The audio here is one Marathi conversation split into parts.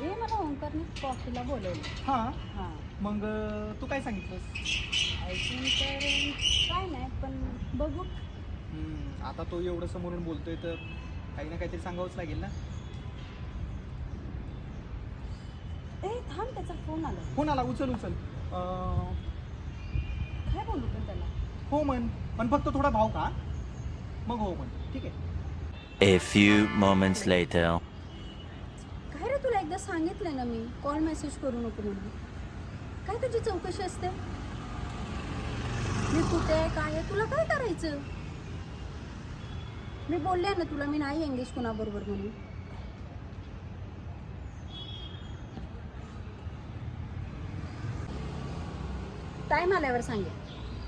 ते मला ओंकारने कॉफीला बोलवलं. हां. हां. मग तू काय सांगितलंस? ऐकून तर काय नाही, पण बघू. आता तो एवढं समोरून बोलतोय तर काही ना काहीतरी सांगावंच लागेल ना. ए थांब, त्याचा फोन आला. फोन आला, उचल. काय बोलू पण त्याला? हो म्हण, पण फक्त थोडा भाव का, मग हो म्हण, ठीक आहे. A few moments later. काय रे, तुला एकदा सांगितलंय ना मी, कॉल मेसेज करू नको म्हणून. काय तुझी चौकशी असते? मी कुठे आहे, काय आहे, तुला काय करायचं? मी बोलले ना तुला, मी नाही एंगेज कोणाबरोबर म्हणून. टाईम आल्यावर सांगेल.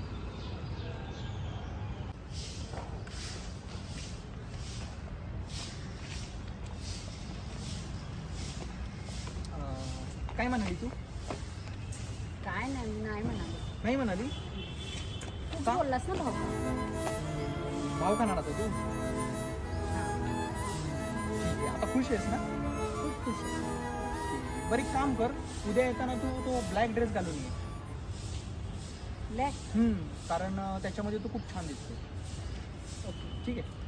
काय म्हणाली तू? काय नाही, मी नाही म्हणाले. नाही म्हणाली? तूच का? बोललास ना भाऊ. भाव खाणार आता तू? हां, ठीक आहे, आता खुश आहेस ना? खूप खुश आहे. बरं एक काम कर, उद्या येताना तू तो ब्लॅक ड्रेस घालून ये. ब्लॅक. कारण त्याच्यामध्ये तू खूप छान दिसते. ओके. ठीक आहे.